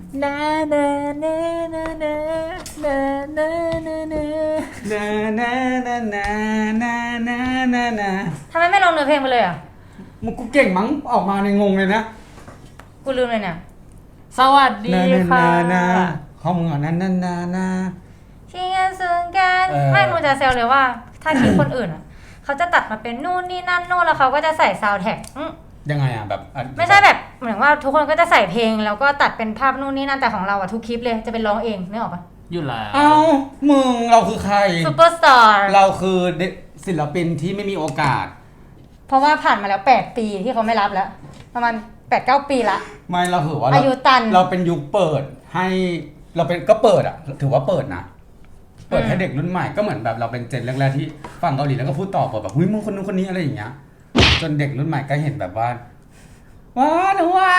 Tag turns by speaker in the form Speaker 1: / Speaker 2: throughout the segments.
Speaker 1: นานานานานานานานานา
Speaker 2: นา
Speaker 1: ทำไมไม่ลองเนื้อเพลงไปเลยอ่ะ
Speaker 2: มึงกูเก่งมั้งออกมาในงงเลยนะ
Speaker 1: กูลืมเลยเนี่ยสวัสดีค่ะ
Speaker 2: ข้อมึงอ่ะนา
Speaker 1: ที่งานซึ่งกันไม่มึงจะเซลเลยว่าถ้าคลิปคนอื่นอ่ะเขาจะตัดมาเป็นนู่นนี่นั่นนู่นแล้วเขาก็จะใส่ซาวด์แท็ก
Speaker 2: ยังไงอ่ะแบบ
Speaker 1: ไม่ใช่แบบเหมือนว่าทุกคนก็จะใส่เพลงแล้วก็ตัดเป็นภาพนู่นนี่นั่นแต่ของเราอ่ะทุกคลิปเลยจะเป็นร้องเองนึกออกปะ
Speaker 3: อยู่แล้ว
Speaker 2: เอ้ามึงเราคือใคร
Speaker 1: ซูเปอร์สตาร์
Speaker 2: เราคือศิลปินที่ไม่มีโอกาส
Speaker 1: เพราะว่าผ่านมาแล้ว8ปีที่เขาไม่รับแล้วประมาณ 8-9 ปีละ
Speaker 2: ไม่เราถือว่า
Speaker 1: อายุตัน
Speaker 2: เราเป็นยุคเปิดให้เราเป็นก็เปิดอ่ะถือว่าเปิดนะเปิดให้เด็กรุ่นใหม่ก็เหมือนแบบเราเป็นเจนแรกๆที่ฟังเกาหลีแล้วก็พูดต่อแบบหุ้ยมึงคนนู้นคนนี้อะไรอย่างเงี้ยจนเด็กรุ่นใหม่ก็เห็นแบบว่าว้าหนูว้า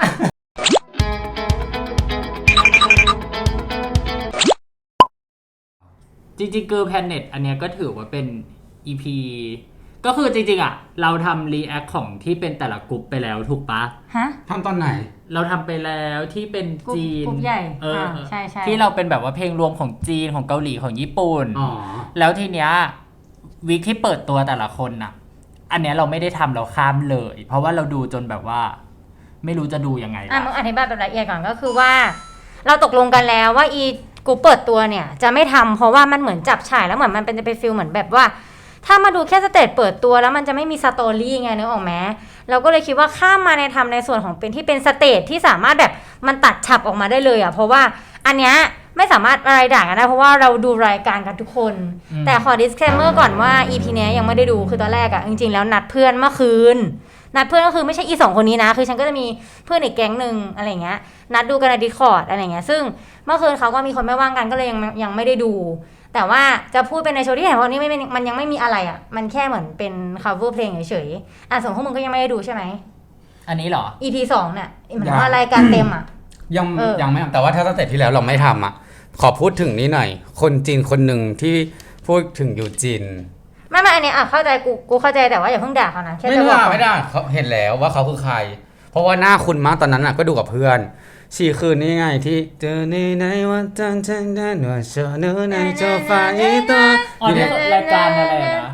Speaker 3: จริงๆGirl Planet อันเนี้ยก็ถือว่าเป็น EP ก็คือจริงๆอ่ะเราทำรีแอคของที่เป็นแต่ละกลุ่มไปแล้วถูกปะ
Speaker 1: ฮะ
Speaker 2: ทำตอนไหน
Speaker 3: เราทำไปแล้วที่เป็นจีน
Speaker 1: กลุ่มใหญ่
Speaker 3: ใช่ที่เราเป็นแบบว่าเพลงรวมของจีนของเกาหลีของญี่ปุ่นแล้วทีเนี้ยวีคที่เปิดตัวแต่ละคนน่ะอันเนี้ยเราไม่ได้ทำเราข้ามเลยเพราะว่าเราดูจนแบบว่าไม่รู้จะดูยังไง
Speaker 1: มึงอธิบายแบบละเอียดก่อนก็คือว่าเราตกลงกันแล้วว่ากูเปิดตัวเนี่ยจะไม่ทำเพราะว่ามันเหมือนจับฉ่ายแล้วเหมือนมันเป็นจะเป็นฟีลเหมือนแบบว่าถ้ามาดูแค่สเตจเปิดตัวแล้วมันจะไม่มีสตอรี่ไงนึกออกไหมเราก็เลยคิดว่าข้ามมาในทำในส่วนของเป็นที่เป็นสเตจที่สามารถแบบมันตัดฉับออกมาได้เลยอ่ะเพราะว่าอันเนี้ยไม่สามารถอะไรด่ากันได้เพราะว่าเราดูรายการกันทุกคนแต่ขอ disclaimer ก่อนว่า EP เนี้ยยังไม่ได้ดูคือตอนแรกอ่ะจริงๆแล้วนัดเพื่อนเมื่อคืนนัดเพื่อนก็คือไม่ใช่อี2คนนี้นะคือฉันก็จะมีเพื่อนอีกแก๊งนึงอะไรเงี้ยนัดดูกันใน Discord อะไรเงี้ยซึ่งเมื่อคืนเขาก็มีคนไม่ว่างกันก็เลยยังไม่ได้ดูแต่ว่าจะพูดเป็นในโชว์ที่เห็นวันนี้มันยังไม่มีอะไรอ่ะมันแค่เหมือนเป็น cover เพลงเฉยๆส่วนพวกมึงก็ยังไม่ได้ดูใช่ไหม
Speaker 3: อันนี้เหรอ
Speaker 1: EP 2เนี่ยเหมือนว่ารายการเต็มอ่ะ
Speaker 2: ยังไม่แต่ว่าถ้าสเตจที่แล้วเราไม่ทำอ่ะขอพูดถึงนี้หน่อยคนจีนคนหนึ่งที่พูดถึงอยู่จีน
Speaker 1: ไม่อันนี้เข้าใจกูเข้าใจแต่ว่าอย่าเพิ่งด่าเขานะแค่
Speaker 2: จะบอกไม่ได้เขาเห็นแล้วว่าเขาคือใครเพราะว่าหน้าคุณมากตอนนั้นอ่ะก็ดูกับเพื่อนชีคืนนี่ไงที่เจอในวันจันทร์ฉันได้หน่วยเชื่อเนื้อในโจฟ้าอีตัว
Speaker 3: อยู่ในรายการอะไรนะ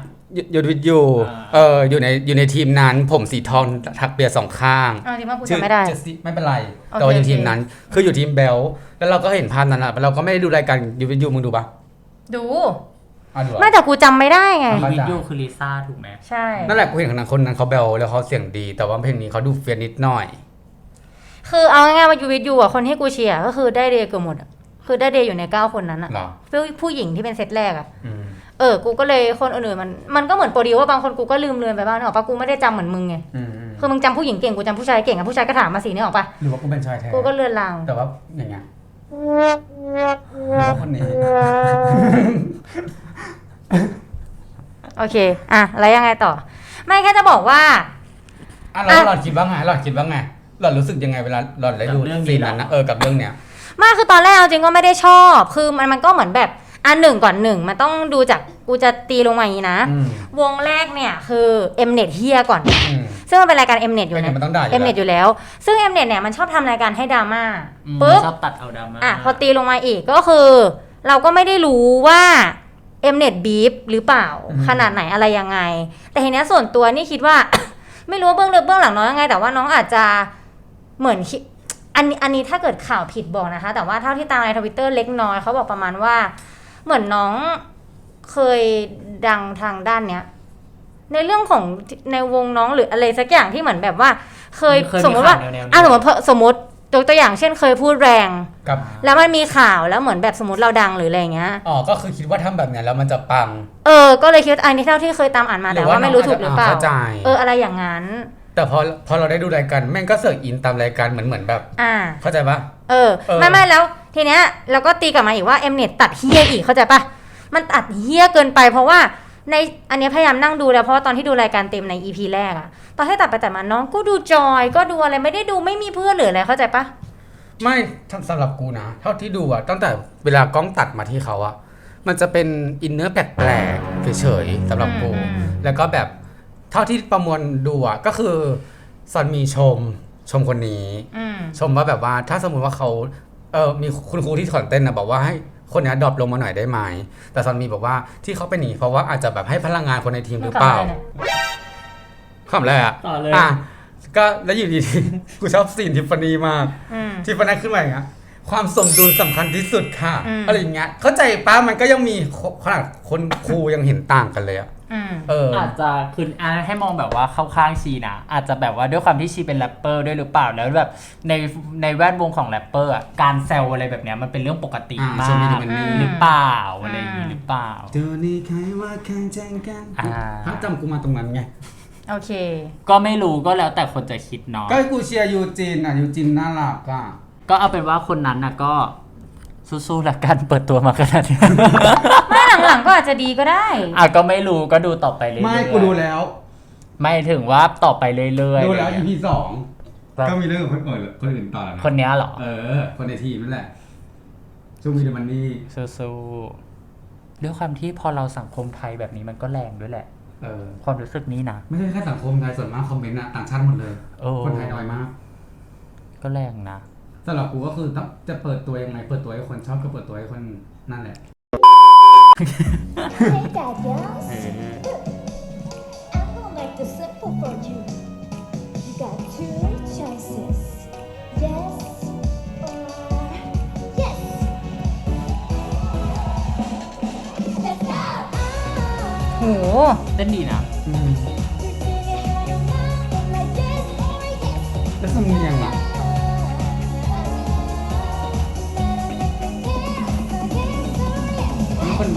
Speaker 2: อยู่ในทีมนั้นผมสีทองทักเปียสองข้าง
Speaker 1: ชื่อไม่ได้
Speaker 2: ไม่เป็นไรแต่ว่าอยู่ทีมนั้นคืออยู่ทีมเบลแล้วเราก็เห็นภาพนั้นอ่ะเราก็ไม่ได้ดูรายการยูวิทยูมึงดูปะ
Speaker 1: ดูไม่แต่กูจำไม่ได้ไง
Speaker 3: วิทยูคือลิซ่าถูกไหม
Speaker 1: ใช่
Speaker 2: นั่นแหละกูเห็นคนนั้นเขาเบลแล้วเขาเสียงดีแต่ว่าเพลงนี้เขาดูเฟียนิดหน่อย
Speaker 1: คือเอาง่ายๆว่ายูวิทยูอ่ะคนที่กูเชียร์ก็คือได้เดย์เกือบหมดคือได้เดย์อยู่ใน9คนนั้นอ่ะผู้หญิงที่เป็นเซตแรกอ่ะกูก็เลยคนอื่นๆมันก็เหมือนโปรดิวว่าบางคนกูก็ลืมเลือนไปบ้างนึกออกปะกูไม่ได้จำเหมือนมึงไงคือมึงจำผู้หญิงเก่งกูจำผู้ชายเก่งผู้ชายก็ถามมาสินึกออกปะ
Speaker 2: หรือว่ากูเป็นชายแท้
Speaker 1: กูก็เลือนลาง
Speaker 2: แต่ว่าอย่างเงี้ยคนนี้
Speaker 1: โอเคแล้วยังไงต่อไม่แค่จะบอกว่า
Speaker 2: แล้วหลอดคิดว่าไงหลอดรู้สึกยังไงเวลาหลอดได้ดูซีนนั้นนะกับเรื่องเนี้ย
Speaker 1: มาคือตอนแรกจริงก็ไม่ได้ชอบคือมันก็เหมือนแบบ1 มันต้องดูจากกูจะตีลงมาอย่างนี้นะวงแรกเนี่ยคือ Mnet เฮียก่อนซึ่งมันเป็นรายการ Mnet อยู่นะ Mnet อยู่แล้วซึ่ง Mnet เนี่ยมันชอบทำรายการให้ดราม่า
Speaker 3: ปุ๊บชอบตัดเอาดราม่า
Speaker 1: พอตีลงมาอีกก็คือเราก็ไม่ได้รู้ว่า Mnet beef หรือเปล่าขนาดไหนอะไรยังไงแต่ทีนี้ส่วนตัวนี่คิดว่า ไม่รู้ว่าเบื้องลึกเบื้องหลังน้องยังไงแต่ว่าน้องอาจจะเหมือนอันนี้ถ้าเกิดข่าวผิดบอกนะคะแต่ว่าเท่าที่ตามใน Twitter เล็กน้อยเขาบอกประมาณว่าเหมือนน้องเคยดังทางด้านเนี้ยในเรื่องของในวงน้องหรืออะไรสักอย่างที่เหมือนแบบว่าเคยสมมติว่าสมมติตัวอย่างเช่นเคยพูดแรงแล้วมันมีข่าวแล้วเหมือนแบบสมมติเราดังหรืออะไรเงี้ย
Speaker 2: ก็คือคิดว่าทำแบบนี้แล้วมันจะปัง
Speaker 1: ก็เลยคิดอันนี้เท่าที่เคยตามอ่านมาแต่ว่าไม่รู้ถูกหรือเปล่าอะไรอย่างนั้น
Speaker 2: แต่พอเราได้ดูรายการแม่งก็เสิร์ชอินตามรายการเหมือนแบบเข้าใจปะ
Speaker 1: ไม่แล้วทีเนี้ยเราก็ตีกลับมาอีกว่า Mnet ตัดเฮี้ยอีกเข้าใจปะมันตัดเฮี้ยเกินไปเพราะว่าในอันนี้พยายามนั่งดูแล้วเพราะว่าตอนที่ดูรายการเต็มใน EP แรกอะตอนที่ตัดไปตัดมาน้องก็ดูจอยก็ดูอะไรไม่ได้ดูไม่มีเพื่อนหรืออะไรเข้าใจปะ
Speaker 2: ไม่สำหรับกูนะเท่าที่ดูอะตั้งแต่เวลากล้องตัดมาที่เขาอะมันจะเป็นอินเนอร์แปลกๆเฉยๆสำหรับกูแล้วก็แบบเท่าที่ประมวลดูอะก็คือซอนมีชมชมคนนี้
Speaker 1: อืม
Speaker 2: ชมว่าแบบว่าถ้าสมมุติว่าเขามีคุณครูที่สอนเต้นนะบอกว่าให้คนนี้ดรอปลงมาหน่อยได้ไหมแต่ซอนมีบอกว่าที่เขาเป็นอย่างนี้เพราะว่าอาจจะแบบให้พลังงานคนในทีมหรือเปล่าคำแรก
Speaker 3: ต่อเลย
Speaker 2: ก็แล้วอยู่ดีๆกูชอบซีนทิฟฟานี่มาก ทิฟฟานี่ขึ้นมาอย่างเงี้ยความสมดุลสำคัญที่สุดค่ะอะไรอย่างเงี้ยเข้าใจป้ามันก็ยังมีขนาดคนครูยังเห็นต่างกันเลยอ่ะ
Speaker 3: อาจจะคือให้มองแบบว่าเข้าข้างชีนะอาจจะแบบว่าด้วยความที่ชีเป็นแรปเปอร์ด้วยหรือเปล่าแล้วแบบในแวดวงของแรปเปอร์อ่ะการแซวอะไรแบบเนี้ยมันเป็นเรื่องปกติมากหรือเปล่าอะไรอย่างงี้หรือเปล่า
Speaker 2: เจอนี่ใครว่าใครแจ้งกันถ้าจำกูมาตรงนั้นไง
Speaker 1: โอเค
Speaker 3: ก็ไม่รู้ก็แล้วแต่คนจะคิดเนาะ
Speaker 2: ก็กูเชียร์ยูจินยูจินน่ารักอ่ะ
Speaker 3: ก็เอาเป็นว่าคนนั้นน่ะก็สู้ๆละกันเปิดตัวมาขนาดนี้
Speaker 1: ไม่หลังๆก็อาจจะดีก็ได้
Speaker 3: ก็ไม่รู้ก็ดูต่อไปเรื่อยๆ
Speaker 2: ไม่กูดูแล้ว
Speaker 3: ไม่ถึงว่าต่อไปเรื่อย
Speaker 2: ๆดูแล้ว EP 2ก็มีเรื่องกับคนอื่นต่อแล้วนะ
Speaker 3: คนนี้เหรอ
Speaker 2: คนในทีมนั่นแหละช่วงวีเดมันนี่
Speaker 3: สู้ๆด้วยความที่พอเราสังคมไทยแบบนี้มันก็แรงด้วยแหละความรู้สึกนี้นะ
Speaker 2: ไม่ใช่แค่สังคมไทยส่วนมากคอมเมนต์ต่างชาติหมดเลยคนไทยน้อยมาก
Speaker 3: ก็แรงนะ
Speaker 2: สำหรับกูก็คือจะเปิดตัวยังไงเปิดตัวให้คนชอบก็เปิดตัวให้คนนั่นแหละ
Speaker 1: โห
Speaker 3: เต้นดีนะ
Speaker 2: แล้วสำเนียงอ่ะคน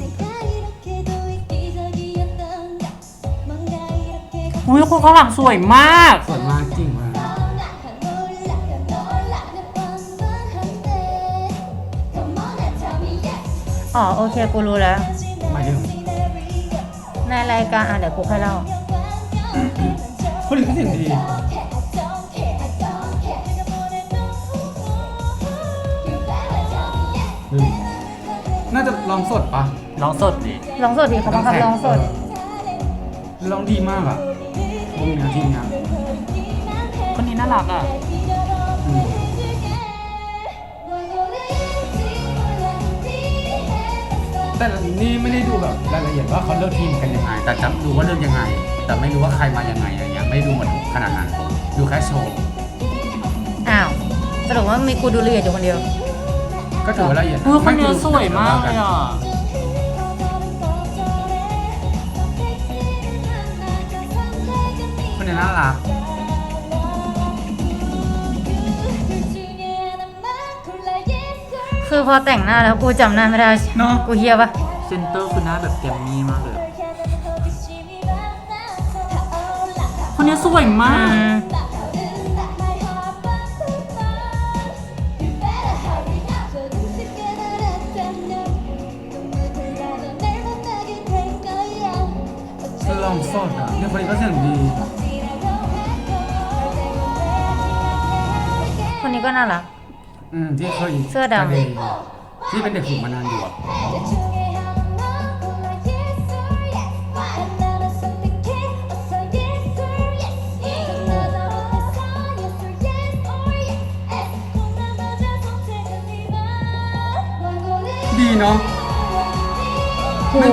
Speaker 3: อุ้ยคนข้างหลังสวยมาก
Speaker 2: สวยมากจริงมาก
Speaker 1: โอเคกูรู้แล้ว
Speaker 2: มาถึง
Speaker 1: ในรายการเดี๋ยวกูค่อยเล่า
Speaker 2: คนอื่นก็เสียงดีน่าจะร้องสดปะ
Speaker 3: ร้องสดดิ
Speaker 1: เขาบังคับร้องสด
Speaker 2: ร้องดีมากอ่ะวงนี้ทีมงาน
Speaker 3: คนนี้น่ารักอ่ะ
Speaker 2: แต่นี่ไม่ได้ดูแบบรายละเอียดว่าเขาเลือกทีมกันยังไงแต่จำดูว่าเลือกยังไงแต่ไม่รู้ว่าใครมายังไงอะไรเงี้ยไม่ดูหมดขนาดนั้นดูแค่โชว์
Speaker 1: สรุปว่ามีกูดูละเอียดอยู่คนเดียว
Speaker 2: ก็ถือว่าละเอียด
Speaker 3: คนนี้สวยมากเลยอ่ะ
Speaker 2: คนนี้น่ารัก
Speaker 1: คือพอแต่งหน้าแล้วกูจำหน้าไม่ได้
Speaker 2: เนาะ
Speaker 1: กูเฮียปะ
Speaker 3: เซนเตอร์คือหน้าแบบแกมมี่มากเลยคนนี้สวยมาก
Speaker 2: ลองสดอ่ะเนี่ยคนนี้ก็เสียงดี
Speaker 1: คนนี้ก็น่ารัก
Speaker 2: ที่เคย
Speaker 1: เสื้อดำ
Speaker 2: ที่เป็นเด็กฝึกมานานอยู่อ่ะดีเนาะ
Speaker 1: โห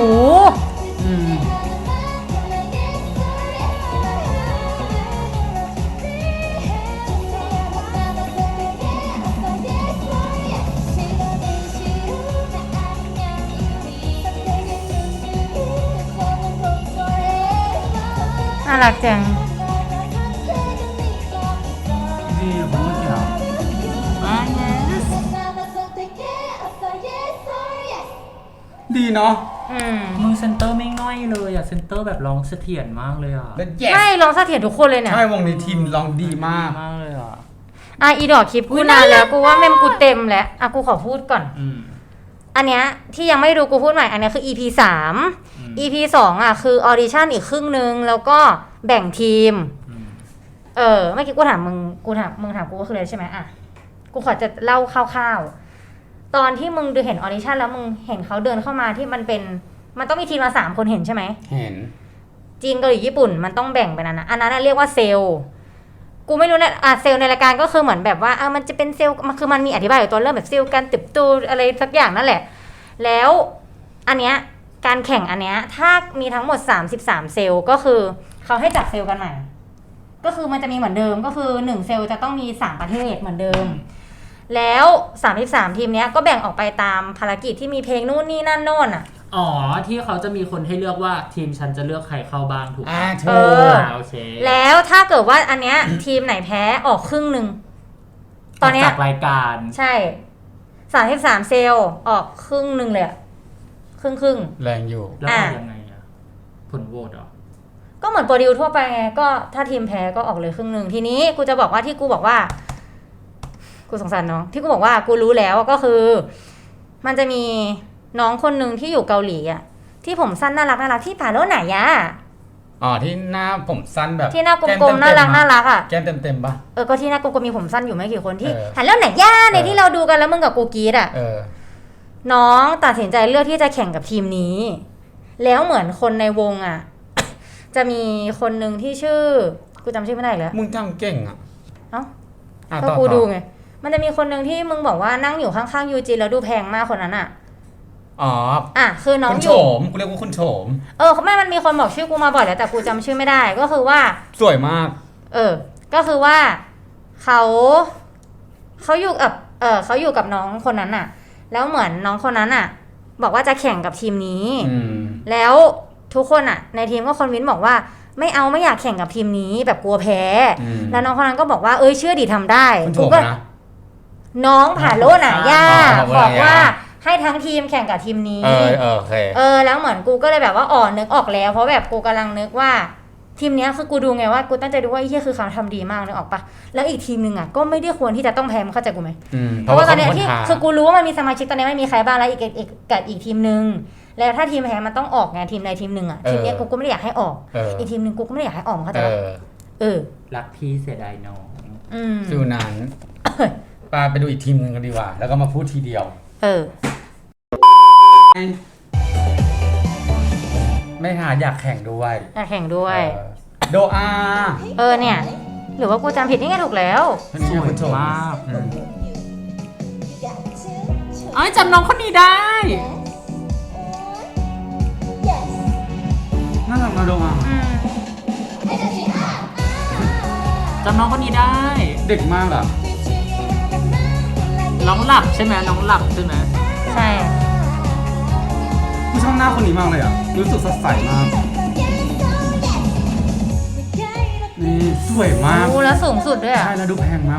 Speaker 1: น่ารักจัง
Speaker 2: ดีผมเมื่อกี้เหรอดีเนาะ
Speaker 3: มือเซนเตอร์ไม่ง่อยเลยอ่ะเซนเตอร์แบบร้องเสถียรมากเลยอ่ะ
Speaker 1: ไม่ร้องเสถียรทุกคนเลยเนี่ย
Speaker 2: ใช่วงในทีมร้องดีมาก
Speaker 3: เลยอ่ะ
Speaker 1: อีดอกคลิปกูนานแล้วกูว่าเมมกูเต็มแล้วกูขอพูดก่อนอันเนี้ยที่ยังไม่ดูกูพูดใหม่อันนี้คือ EP 3 EP 2คือออดิชั่นอีกครึ่งนึงแล้วก็แบ่งทีมเมื่อกี้กูถามมึงถามกูก็คืออะไรใช่ไหมกูขอจะเล่าคร่าวๆตอนที่มึงดูเห็นออดิชั่นแล้วมึงเห็นเขาเดินเข้ามาที่มันต้องมีทีมมา3คนเห็นใช่ไหม
Speaker 2: เห็น
Speaker 1: จีนเกาหลีญี่ปุ่นมันต้องแบ่งเป็นอันนั้นเรียกว่าเซลล์กูไม่รู้นะเซลล์ในรายการก็คือเหมือนแบบว่ามันจะเป็นเซลล์มันคือมันมีอธิบายอยู่ตัวเรื่องแบบเซลล์การติบโตอะไรสักอย่างนั่นแหละแล้วอันเนี้ยการแข่งอันเนี้ยถ้ามีทั้งหมด33เซลล์ก็คือเขาให้จับเซลล์กันใหม่ก็คือมันจะมีเหมือนเดิมก็คือ1เซลล์จะต้องมี3ประเทศเหมือนเดิมแล้ว33ทีมเนี้ยก็แบ่งออกไปตามภารกิจที่มีเพลงนู่นนี่นั่นโน่นอ่ะ
Speaker 3: อ๋อที่เขาจะมีคนให้เลือกว่าทีมฉันจะเลือกใครเข้าบ้างถูกไหม
Speaker 2: ถูก
Speaker 3: โอเค
Speaker 1: แล้วถ้าเกิดว่าอันเนี้ยทีมไหนแพ้ออกครึ่งนึง
Speaker 3: ตอนเนี้ยจากรายการ
Speaker 1: ใช่33เซลล์ออกครึ่งนึงเลยครึ่ง
Speaker 2: แรงอยู่
Speaker 3: แล้วยังไงอะผลโหวตเหรอ
Speaker 1: ก็เหมือนโปรดิวทั่วไปไงก็ถ้าทีมแพ้ก็ออกเลยครึ่งนึงทีนี้กูจะบอกว่าที่กูบอกว่ากูสงสารน้องที่กูบอกว่ากูรู้แล้วก็คือมันจะมีน้องคนหนึ่งที่อยู่เกาหลีอ่ะที่ผมสั้นน่ารักที่ผ่าโลไหนอะ
Speaker 2: ที่หน้าผมสั้นแบบ
Speaker 1: ที่หน้ากลมๆน่ารักอ่ะ
Speaker 2: แก้มเต็มปะ
Speaker 1: ก็ที่หน้ากลมๆมีผมสั้นอยู่ไม่กี่คนที่หันแล้วไหนย่าในที่เราดูกันแล้วมึงกับกูกีดอ่ะน้องตัดสินใจเลือกที่จะแข่งกับทีมนี้แล้วเหมือนคนในวงอ่ะจะมีคนหนึ่งที่ชื่อกูจำชื่อไม่ได้แล้ว
Speaker 2: มึงจำเก่งอ่ะ
Speaker 1: ก็กูดูไงมันจะมีคนหนึ่งที่มึงบอกว่านั่งอยู่ข้างๆยูจินแล้วดูแพงมากคนนั้นอ่ะคือน้อง
Speaker 2: อยู่คุณโฉมกูเรียกว่าคุณโฉม
Speaker 1: ไม่มันมีคนบอกชื่อกูมาบ่อยแล้วแต่กูจำชื่อไม่ได้ก็คือว่า
Speaker 2: สวยมาก
Speaker 1: ก็คือว่าเขาอยู่กับเขาอยู่กับน้องคนนั้นอ่ะแล้วเหมือนน้องคนนั้นอ่ะบอกว่าจะแข่งกับทีมนี้แล้วทุกคนอ่ะในทีมก็คอนวินบอกว่าไม่อยากแข่งกับทีมนี้แบบกลัวแพ้แล้วน้องคนนั้นก็บอกว่าเชื่อดิทำได้
Speaker 2: กูก็
Speaker 1: น้องผ่าโลน่ะย่าบอกว่าให้ทั้งทีมแข่งกับทีมนี้
Speaker 2: โอเค
Speaker 1: แล้วเหมือนกูก็เลยแบบว่านึกออกแล้วเพราะแบบกูกำลังนึกว่าทีมนี้คือกูดูไงว่ากูตั้งใจดูว่าไอ้เหี้ยคือเขาทำดีมากนึกออกปะแล้วอีกทีมนึงอ่ะก็ไม่ได้ควรที่จะต้องแพ้มึงเข้าใจกูไหมเพราะว่าตอนนี้ที่คือกูรู้ว่ามันมีสมาชิกตอนนี้ไม่มีใครบ้างแล้วอีกทีมนึงแล้วถ้าทีมแพ้มันต้องออกไงทีมใดทีมหนึ่งอ่ะทีมนี้กูก็ไม่ได้อยากให้ออกอีกทีมนึงกูก็ไม่ได้อยากให้ออกเข้าใจปะ
Speaker 3: รักพี่เสียดายน้อง
Speaker 2: ฟิวนั้นไปดูอีกทีมนึงกันดีกว่าแล้วก็มาพูดทีเดียวไม่หาอยากแข่งด้วยโดอา
Speaker 1: เนี่ยหรือว่ากูจำผิดนี่ไงถูกแล้ว
Speaker 3: สวยมากจำน้องคนนี้ได้
Speaker 2: น่ารักนะโดอา
Speaker 3: จำน้องคนนี้ได้
Speaker 2: เด็กมากอ่ะ
Speaker 3: น้องหลับใช่ไหมน้องหลับใช่ไหม
Speaker 1: ใช่
Speaker 2: กูชอบหน้าคนนี้มากเลยอ่ะรู้สึกสดใสมากนี่สวยมาก
Speaker 1: แล้วสูงสุดด้วยอ่ะ
Speaker 2: ใช่แล้วดูแพงมาก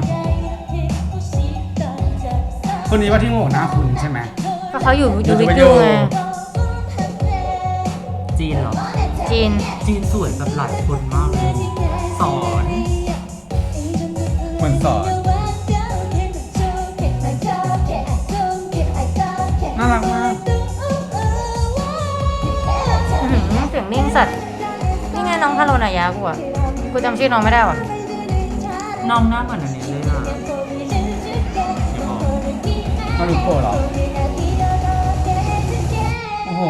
Speaker 2: คนนี้ว่าที่โง่หน้าคุณใช่ไหม
Speaker 1: เพราะเขาอยู่วิดีโอไง
Speaker 3: จีนเหรอจีนสวยแบบหลายคนมากเลยสอน
Speaker 2: เหมือนสอนน่ารักมาก
Speaker 1: เสียงนิ่งสัตว์นี่ไงน้องฮาโลนายะกูจำชื่อน้องไม่ได้ว่ะ
Speaker 3: น้องหน้าเหมือนอันนี้เลยอ่ะ
Speaker 2: มาดูโปรเหรอโอ้โห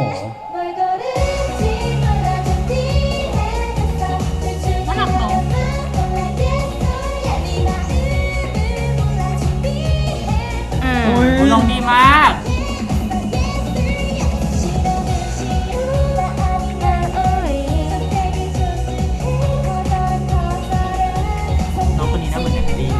Speaker 3: น่ารักเนาะลองดีมากน้องคนนี้น่าเหมือนกันดี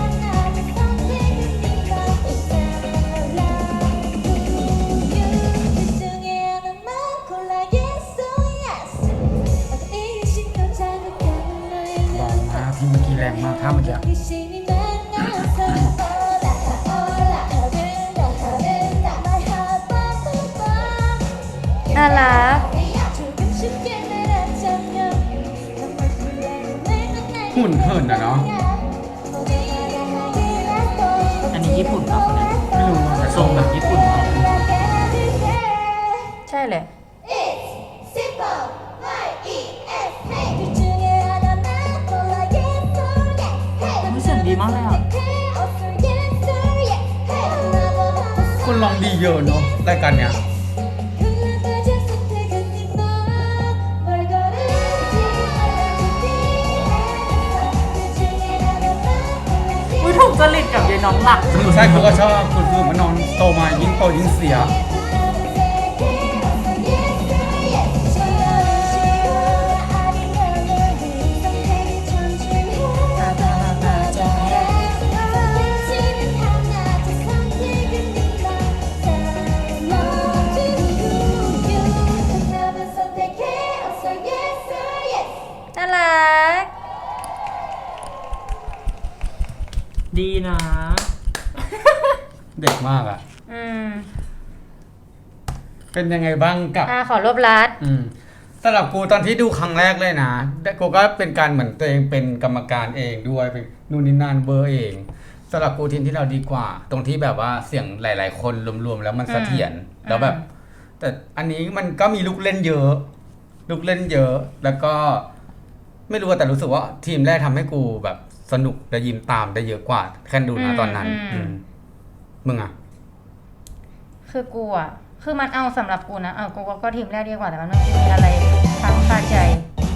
Speaker 2: ที่เมื่อกี้แรงมากท่าเมื่อกี้
Speaker 1: น่ารัก
Speaker 2: หุ่นเหินนะเนาะ
Speaker 3: อันนี้ญี่ปุ่นป่ะ
Speaker 2: ไม่รู้
Speaker 3: แต่ทรงแบบญี่ปุ่น
Speaker 1: ใช่เลย
Speaker 3: เสียงดีมากเลยอ่ะ
Speaker 2: คนร้องดีเยอะเนาะรายการเนี้ย
Speaker 3: จริตกับยายน้องหลัก
Speaker 2: ใช่กูก็ชอบคุณคือมันนอนโตมายิ่งโตยิ่งเสีย
Speaker 1: น่ารัก
Speaker 3: ดีนะ
Speaker 2: เด็กมากอ่ะ
Speaker 1: อืม
Speaker 2: เป็นยังไงบ้างกับ
Speaker 1: ขอรวบรัด
Speaker 2: สำหรับกูตอนที่ดูครั้งแรกเลยนะกูก็เป็นการเหมือนตัวเองเป็นกรรมการเองด้วยเป็นนู่นนี่นั่นเบอร์เองสำหรับกูทีมที่เราดีกว่า ตรงที่แบบว่าเสียงหลาย ๆ คนรวมๆแล้วมันเสถียรแล้วแบบ แต่อันนี้มันก็มีลูกเล่นเยอะ แล้วก็ ไม่รู้แต่รู้สึกว่าทีมแรกทำให้กูแบบสนุกและยิ้มตามได้เยอะกว่าแค่ดูนะตอนนั้นมึงอ่ะ
Speaker 1: คือกูอ่ะ คือมันเอาสำหรับกูนะกูก็ทีมแรกดีกว่าแต่มันไม่มีอะไรค้างคาใจ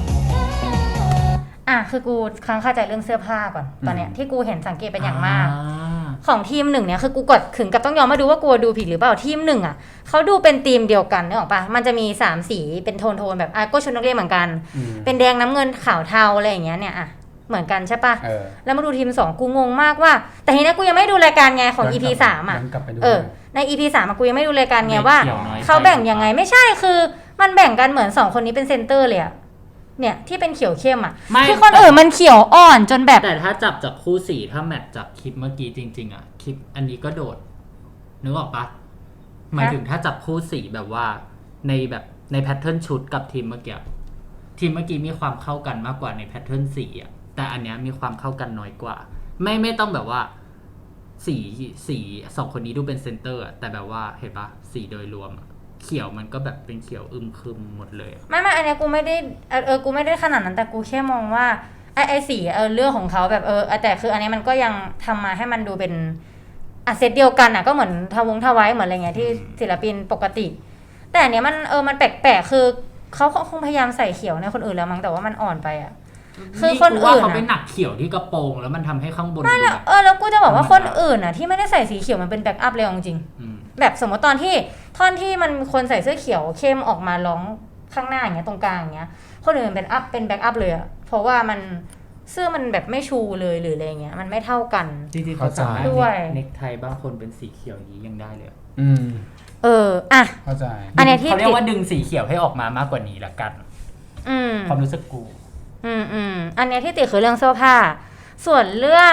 Speaker 1: คือกูค้างคาใจเรื่องเสื้อผ้าก่อนตอนเนี้ยที่กูเห็นสังเกตเป็นอย่างมากของทีมหนึ่งเนี่ยคือกูกดถึงกับต้องยอมมาดูว่ากูดูผิดหรือเปล่าทีมหนึ่งอ่ะเขาดูเป็นทีมเดียวกันนึกออกปะมันจะมี3สีเป็นโทนแบบก็ชุดนักเรียนเหมือนกันเป็นแดงน้ำเงินขาวเทาอะไรอย่างเงี้ยเนี่ยเหมือนกันใช่ปะแล้วมาดูทีม2กูงงมากว่าแต่ทีนี้กูยังไม่ดูรายการไงของ EP 3ใน EP 3กูยังไม่ดูรายการไงว่าเขาแบ่งยังไงไม่ใช่คือมันแบ่งกันเหมือน2คนนี้เป็นเซนเตอร์เลยอะเนี่ยที่เป็นเขียวเข้มคือคนอื่นมันเขียวอ่อนจนแบบ
Speaker 3: แต่ถ้าจับจากคู่สีถ้าแมทจากคลิปเมื่อกี้จริงๆคลิปอันนี้ก็โดดนึกออกปะหมายถึงถ้าจับคู่สีแบบว่าในแพทเทิร์นชุดกับทีมเมื่อกี้มีความเข้ากันมากกว่าในแพทเทิร์นสีแต่อันเนี้ยมีความเข้ากันน้อยกว่าไม่ต้องแบบว่าสี2คนนี้ดูเป็นเซนเตอร์แต่แบบว่าเห็นปะสีโดยรวมเขียวมันก็แบบเป็นเขียวอึมครึมหมดเลย
Speaker 1: ไม่อันเนี้ยกูไม่ได้กูไม่ได้ขนาดนั้นแต่กูแค่มองว่าไอสีเรื่องของเขาแบบแต่คืออันนี้มันก็ยังทำมาให้มันดูเป็นเซตเดียวกันก็เหมือนทวายเหมือนอะไรเงี้ยที่ศิลปินปกติแต่อันเนี้ยมันมันแปลกๆคือเขาคงพยายามใส่เขียวในคนอื่นแล้วมั้งแต่ว่ามันอ่อนไปคือคนอื่น
Speaker 3: เขาไปหนักเขียวที่กระโปรงแล้วมันทำให้ข้างบน
Speaker 1: แล้วกูจะบอกว่าคนอื่นที่ไม่ได้ใส่สีเขียวมันเป็นแบ็กอัพเลยจริงแบบสมมติตอนที่ท่อนที่มันคนใส่เสื้อเขียวเข้มออกมาร้องข้างหน้าอย่างเงี้ยตรงกลางอย่างเงี้ยคนอื่นเป็นแบ็กอัพเลยเพราะว่ามันเสื้อมันแบบไม่ชูเลยหรืออะไรเงี้ยมันไม่เท่ากัน
Speaker 3: จริงๆเขาสามารถเน็กไทบางคนเป็นสีเขียวนี้ยังได้เลย
Speaker 2: เข้าใจ
Speaker 1: อันนี้ที่
Speaker 3: เขาเรียกว่าดึงสีเขียวให้ออกมามากกว่านี้ละกันความรู้สึกกู
Speaker 1: อันนี้ที่ติดคือเรื่องเสื้อผ้าส่วนเรื่อง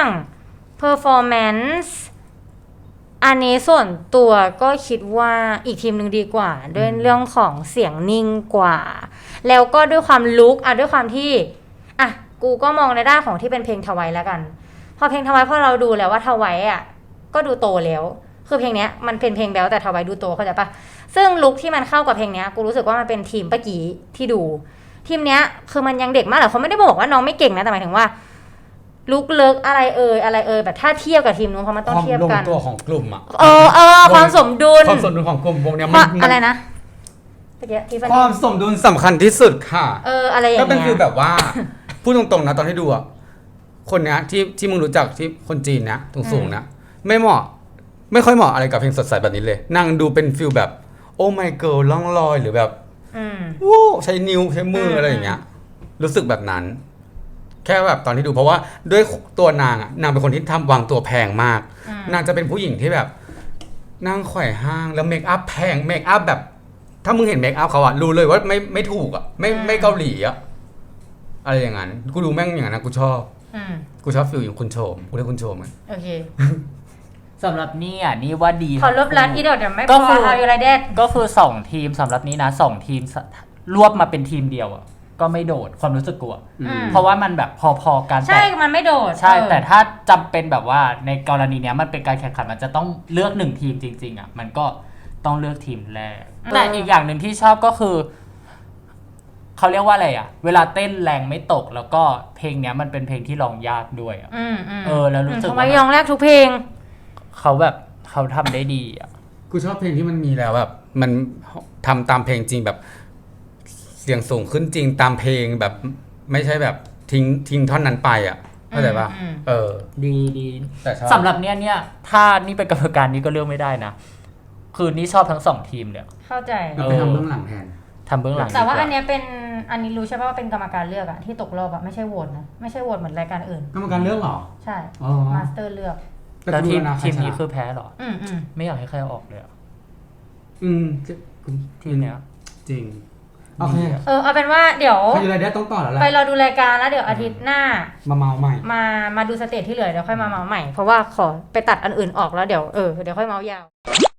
Speaker 1: performance อันนี้ส่วนตัวก็คิดว่าอีกทีมหนึ่งดีกว่าด้วยเรื่องของเสียงนิ่งกว่าแล้วก็ด้วยความลุคด้วยความที่กูก็มองในด้านของที่เป็นเพลงทวายแล้วกันพอเพลงทวายพอเราดูแล้วว่าทวายก็ดูโตแล้วคือเพลงนี้มันเป็นเพลงแบ๊วแต่ทวายดูโตเข้าใจปะซึ่งลุคที่มันเข้ากับเพลงนี้กูรู้สึกว่ามันเป็นทีมเมื่อกี้ที่ดูทีมเนี้ยคือมันยังเด็กมากแต่เขาไม่ได้บอกว่าน้องไม่เก่งนะแต่หมายถึงว่าลุกเลิกอะไรแบบถ้าเทียบกับทีมนู้นเพราะมันต้องเทียบกัน
Speaker 2: ความลงตัวของกลุ่ม
Speaker 1: ความสมดุล
Speaker 2: ของกลุ่มวงเนี้ยมัน
Speaker 1: อะไรนะ
Speaker 2: ความสมดุลสำคัญที่สุดค่ะ
Speaker 1: อะไรอย่างเงี้ย
Speaker 2: ก็เป็นคือแบบว่าพูดตรงๆนะตอนที่ดูคนเนี้ยที่มึงรู้จักที่คนจีนนะสูงๆนะไม่ค่อยเหมาะอะไรกับเพลงสดใสแบบนี้เลยนั่งดูเป็นฟิลแบบโอ้ my girl ล่องลอยหรือแบบใช้นิ้วใช้มืออะไรอย่างเงี้ยรู้สึกแบบนั้นแค่แบบตอนที่ดูเพราะว่าด้วยตัวนางเป็นคนที่วางตัวแพงมากนางจะเป็นผู้หญิงที่แบบนั่งไขว่ห้างแล้วเมคอัพแพงเมคอัพแบบถ้ามึงเห็นเมคอัพเขารู้เลยว่าไม่ถูกไม่เกาหลีอะไรอย่างนั้นกูดูแม่งอย่างนั้นกูชอบฟิลอย่างคุณโชมกูเรียกคุณโชม
Speaker 1: โอเค
Speaker 3: สำหรับนี่ว่าดี
Speaker 1: ขอลบลัดอีดอกเดี๋ยวไม่พอเอาอยู่ไรเด็ด
Speaker 3: ก็คือ2ทีมสำหรับนี้นะ2ทีมรวบมาเป็นทีมเดียวก็ไม่โดดความรู้สึกกูเพราะว่ามันแบบพอๆกัน
Speaker 1: ใช่มันไม่โดด
Speaker 3: ใช่แต่ถ้าจำเป็นแบบว่าในกรณีเนี้ยมันเป็นการแข่งขันมันจะต้องเลือก1ทีมจริงๆมันก็ต้องเลือกทีมแรกแต่อีกอย่างหนึ่งที่ชอบก็คือเขาเรียกว่าอะไรเวลาเต้นแรงไม่ตกแล้วก็เพลงเนี้ยมันเป็นเพลงที่ร้องยากด้วยแล้วรู้สึก
Speaker 1: ว่าร้องแรกทุกเพลง
Speaker 3: เขาทำได้ดี
Speaker 2: กูชอบเพลงที่มันมีแล้วแบบมันทำตามเพลงจริงแบบเสียงสูงขึ้นจริงตามเพลงแบบไม่ใช่แบบทิ้งท่อนนั้นไปเข้าใจป่ะเออ
Speaker 3: ดี
Speaker 2: แต่ชอบ
Speaker 3: สำหรับเนี่ยถ้านี่เป็นกรรมการนี่ก็เลือกไม่ได้นะคือนี่ชอบทั้ง2ทีมเลย
Speaker 1: เข้าใจ
Speaker 2: เราไปทำเบื้องหลังแทน
Speaker 3: ทำเบื้องหลัง
Speaker 1: แต่ว่า
Speaker 3: ดีก
Speaker 1: อันเนี้ยเป็นอันนี้รู้ใช่ป่ะว่าเป็นกรรมการเลือกอะที่ตกรอบอะไม่ใช่โหวตนะไม่ใช่โหวตเหมือนรายการอื่น
Speaker 2: กรรมการเลือกเหรอ
Speaker 1: ใช่
Speaker 2: อ๋อ
Speaker 1: มาสเตอร์เลือก
Speaker 3: แล้วทีม
Speaker 2: ใร
Speaker 3: นี้
Speaker 2: ชะ
Speaker 3: คือแพ้เหรอ
Speaker 1: อืม
Speaker 3: ไม่อยากให้ใครออกเลยอะ ทีมเนี้ย
Speaker 2: จริงโอเค
Speaker 1: เอาเป็นว่าเดี๋ยว
Speaker 2: ใครอยู่ไรได้ต้องต่อแล้วแหละ
Speaker 1: ไปรอดูรายการแล้วเดี๋ยวอาทิตย์หน้า
Speaker 2: มาเมาใหม่
Speaker 1: มาดูสเตจที่เหลือเดี๋ยวค่อยมาเมาส์ใหม่เพราะว่าขอไปตัดอันอื่นออกแล้วเดี๋ยวค่อยเมาส์ยาว